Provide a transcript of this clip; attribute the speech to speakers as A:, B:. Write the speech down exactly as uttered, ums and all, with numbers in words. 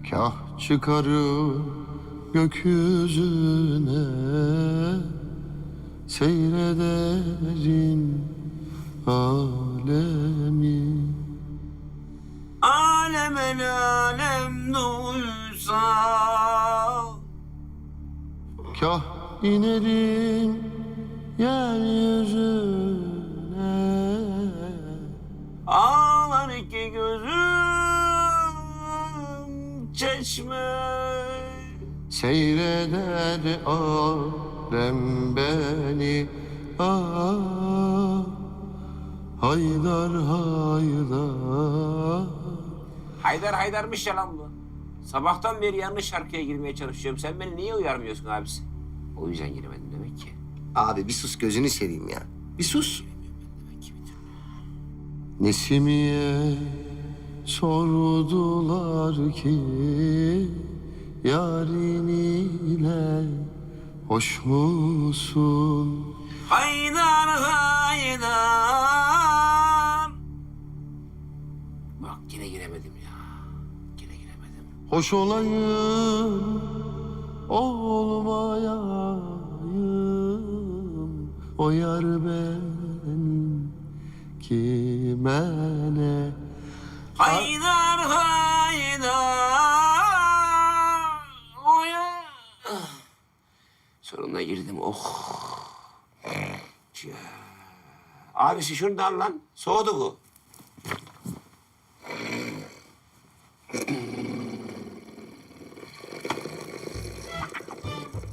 A: Kah çıkarım gökyüzüne, seyrederim alemi.
B: Alem el alem duysa.
A: Kah inerim yeryüzüne,
B: Ağlar iki gözüm çeşme.
A: seyreder alem beni. Ah, haydar haydar.
B: Haydar Haydar'mış ya lan bu. Sabahtan beri yanlış şarkıya girmeye çalışıyorum. Sen beni niye uyarmıyorsun abisi? O yüzden giremedim demek ki.
C: Abi bir sus gözünü seveyim ya. Bir sus.
A: Nesimiye sordular ki, yarın ile hoş musun?
B: Haydar Haydar. Bak yine giremedim ya. Yine giremedim.
A: Hoş olayım, olmayayım. O yar benim kime ne?
B: Haydar Haydar. Oya. Sonunda girdim. Oh. Abisi şunu da al lan. Soğudu bu.